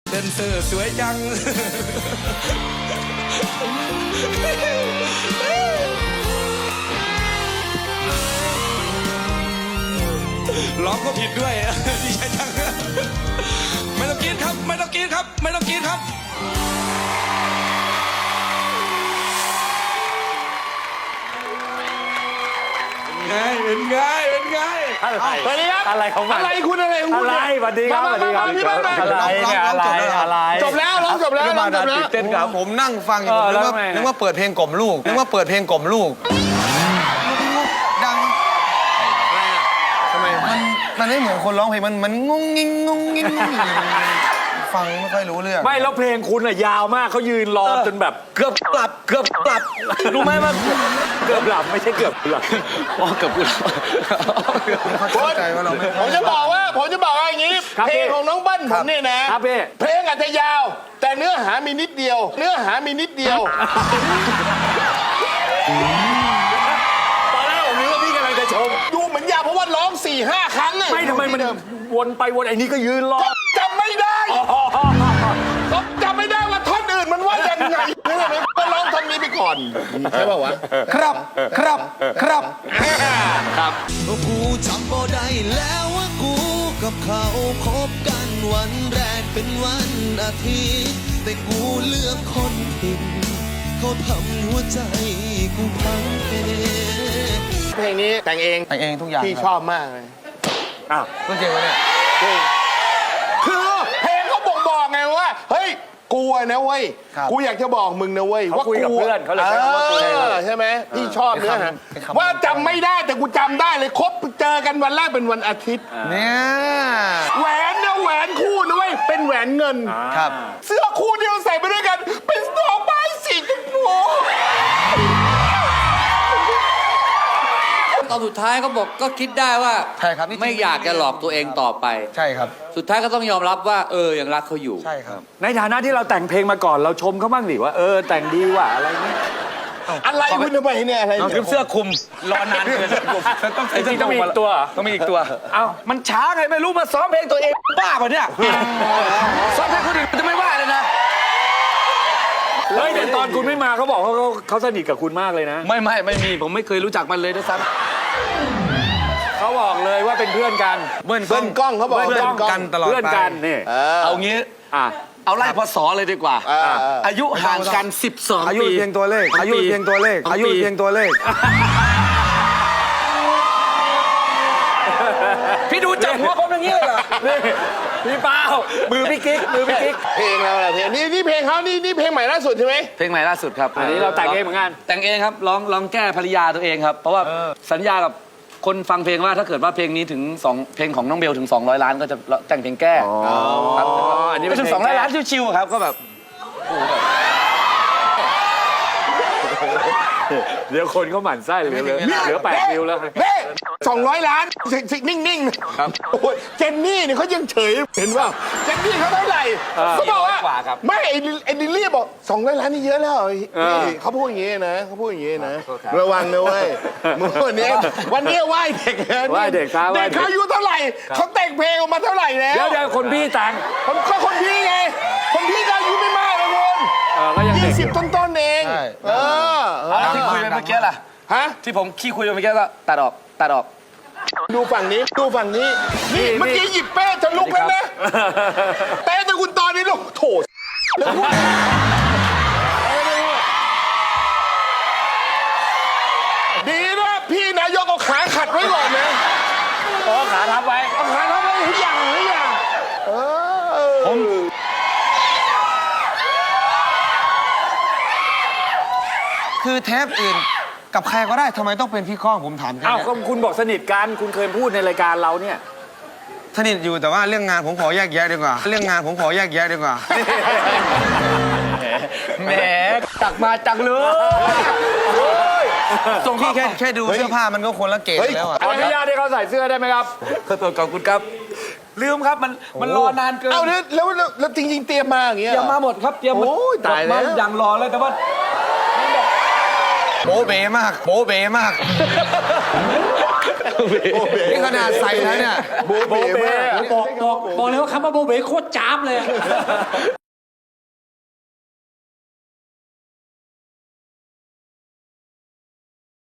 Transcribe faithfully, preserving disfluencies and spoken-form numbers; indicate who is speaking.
Speaker 1: เดนเซอร์สวยจังร้องก็ผิดด้วยดีใจจังไม่ต้องกินครับไม่ต้องกินครับไม่ต้องกินครับไงเป็นไงเป็นไง
Speaker 2: อะไรอะไรของมัน
Speaker 3: อะไรคุณอะไรคุณ
Speaker 2: อะไรสวัสดีครับสวัสดีครับอะไรเนี่ยอะไรอะไร
Speaker 3: จบแล้วร้องจบแล้วร้องจบแล้ว
Speaker 1: เต้นกับผมนั่งฟังอยู่นึกว่านึกว่าเปิดเพลงกล่อมลูกนึกว่าเปิดเพลงกล่อมลูกดังทำไมมันมันไม่เหมือนคนร้องเพลงมันมันงงงิงงงงิงฟังไม่ค่อยรู้เรื่อง
Speaker 2: ไม่แล้วเพลงคุณอะยาวมากเขายืนรอจนแบบเกือบหลับเกือบหลับรู้ไหมว่าเกือบหลับไม่ใช่เกือบหลับ
Speaker 1: อ๋อเกือบหลับเข้าใจว่าเราไม่
Speaker 3: ผมจะบอกว่าผมจะบอกว่าอย่างนี้เพลงของน้องเบิ้ลผมเนี่ยนะเพลงอาจจะยาวแต่เนื้อหามีนิดเดียวเนื้อหามีนิดเดียว
Speaker 2: ตอนแรกผมนึกว่าพี่กำลังจะชม
Speaker 3: ดูเหมือนยาวเพราะว่าร้องสี่ห้าครั้ง
Speaker 2: ไม่ทำไมมันวนไปวนไอ้นี่ก็ยืนรอ
Speaker 3: จำไม่ได้ก็จำไม่ได้ว่าท่อนอื่นมันว่ายังไงนี่เลยก็ร้องท่อนนี้ไปก่อนใช่ป่าววะ
Speaker 1: ครับครับครับ
Speaker 3: ครับ
Speaker 4: กูจำบ่ได้แล้วว่ากูกับเขาคบกันวันแรกเป็นวันอาทิตย์แต่กูเลือกคนผิดเขาทำหัวใจกูพังเอง
Speaker 3: เพลงนี้แต่งเอง
Speaker 1: แต่งเองทุกอย่าง
Speaker 3: พี่ชอบมากเลย
Speaker 1: อ้าวพูดจริงวะเนี่ย
Speaker 3: คือเพลงเขาบอกบอกไงว่าเฮ้ยกูนะเว้ยกูอยากจะบอกมึงนะเว้ยว่า
Speaker 2: คุยกับเพื่อนเขาเลย
Speaker 3: ใช่ไหมพี่ชอบเนื้อหาว่าจำไม่ได้แต่กูจำได้เลยคบเจอกันวันแรกเป็นวันอาทิตย์
Speaker 1: เนี่ย
Speaker 3: แหวนนะแหวนคู่นะเว้ยเป็นแหวนเงิน
Speaker 1: ครับ
Speaker 3: เสื้อคู่เดียวใส่ไปด้วยกันเป็นดอกไม้สีชมพู
Speaker 5: ตอนสุดท้ายเขาบอกก็คิดได้ว่า
Speaker 1: ใช่ครับ
Speaker 5: ไม่อยากจะหลอกตัวเองต่อไป
Speaker 1: ใช่ครับ
Speaker 5: สุดท้ายก็ต้องยอมรับว่าเออยังรักเขาอยู่
Speaker 1: ใช่ครับ
Speaker 2: ในฐานะที่เราแต่งเพลงมาก่อนเราชมเขาบ้างดิว่าเออแต่งดีว่ะอะไรนี้
Speaker 3: อะไรคุณทำไมเนี่ยอะไร
Speaker 1: เสื้อคลุมรอนานเกินต้องใส่เสื้อ
Speaker 2: ต้องมีอีกตัว
Speaker 1: ต้องมีอีกตัว
Speaker 2: เอ้า
Speaker 1: มันช้าไงไม่รู้มาซ้อมเพลงตัวเองบ้าป่ะเนี่ยซ้อมเพลงคนอื่นมันจะไม่ว่าเลยนะ
Speaker 2: เฮ้ยแต่ตอนคุณไม่มาเขาบอกเขาเขาสนิทกับคุณมากเลยนะ
Speaker 1: ไม่ไม่ไม่มีผมไม่เคยรู้จักมันเลยด้วยซ้ำ
Speaker 2: เขาบอกเลยว่าเป็นเพื่อนกัน
Speaker 3: เบิ้ลกล้องเขาบอก
Speaker 1: เพื่อนกันตลอดไป
Speaker 2: เพื่อนกันนี่
Speaker 1: เอางี้เอาไล่พศเลยดีกว่าอายุห่างกันสิบสองปีอายุเพียงตัวเลขอายุเพียงตัวเลขอายุเพียงตัวเลขพี่ดูจับหัวผมอย่างนี้เลยเหรอ
Speaker 2: พี่เป้ามือพี่กิ๊กมือพี่กิ๊ก
Speaker 3: เพลงเราเพลงนี้นี่เพลงเขานี่นี่เพลงใหม่ล่าสุดใช่ไหม
Speaker 1: เพลงใหม่ล่าสุดครับ
Speaker 2: อันนี้เราแต่งเองเหมือนกัน
Speaker 1: แต่งเองครับร้องร้องแก้ภรรยาตัวเองครับเพราะว่าสัญญากับคนฟังเพลงว่าถ้าเกิดว่าเพลงนี้ถึงสองเพลงของน้องเบลถึงสองร้อยล้านก็จะแต่งเพลงแก้ครับอันนี้ไม่ถึงสองร้อยล้านชิวๆครับก็แบบ
Speaker 2: เดี๋ยวคนเขาหมั่นไส้เหลือเหลือแปดวิวแล้ว
Speaker 3: เฮ้สองร้อยล้านนิ่งๆครับโอ้ยเจนนี่เนี่ยเขายังเฉยเห็นว่าเจนนี่เขาเท่าไหร่เขาบอกว่าไม่ไอ้ดิลลี่บอกสองร้อยล้านนี่เยอะแล้วเขาพูดอย่างนี้นะเขาพูดอย่างนี้นะระวังนะเว้ยวันนี้วันนี้ไหว้เด็ก
Speaker 2: ไหว้เด็กครับ
Speaker 3: เด็กเขาอายุเท่าไหร่เขาแต่งเพลงออกมาเท่าไหร่แล้ว
Speaker 2: เดี๋ยวเดี๋ยวคนพี่แต่ง
Speaker 3: คนก็คนพี่ไงคนพี่ก็อายุไม่มากเลยคุณยี่สิบต้นๆเองเออ
Speaker 1: ที่คุยไปเมื่อกี้ล่ะ
Speaker 3: ฮะ
Speaker 1: ที่ผมขี้คุยไปเมื่อกี้ก็ตัดออกตัดออก
Speaker 3: ดูฝั่งนี้ดูฝั่งนี้นี่เมื่อกี้หยิบเป้จะลุกแล้วนะเป้แต่คุณตอนนี้ลูกโถดีนะพี่นายกเอาขาขัดไว้ก่อนนะ
Speaker 2: อ๋อขาทับไว้
Speaker 3: เอาขาทับไว้ทุกอย่างทุกอย่างเออผม
Speaker 1: คือเทปอื่นกับใครก็ได้ทำไมต้องเป็นพี่ข้องผมถามแค่นี้
Speaker 2: อ้าวก็คุณบอกสนิทกันคุณเคยพูดในรายการเราเนี่ย
Speaker 1: สนิทอยู่แต่ว่าเรื่องงานผมขอแยกแยะดีกว่าเรื่องงานผมขอแยกแยะดีกว่าแหมตักมาจังเลยส่งพี่แค่แค่ดูเสื้อผ้ามันก็คนละเกตแล้วอ่ะ
Speaker 2: ขออนุญาตให้เขาใส่เสื้อได้ไหมครับ
Speaker 1: ขอบคุณครับลืมครับมันมันรอนานเกิน
Speaker 3: เอาแล้วแล้วแล้วจริงๆเตรียมมาอย่างเงี้ย
Speaker 1: เตรียมมาหมดครับเตรียม
Speaker 3: โอ้ยตายแล้ว
Speaker 1: ยังรอเลยแต่ว่าโบเบมากโบเบมากนี่ขนาดใส่แล้วเนี่ย
Speaker 3: โบเบ้มาก
Speaker 2: บอกบอกบอกเลยว่าคำว่าโบเบโคตรจ้าบเลย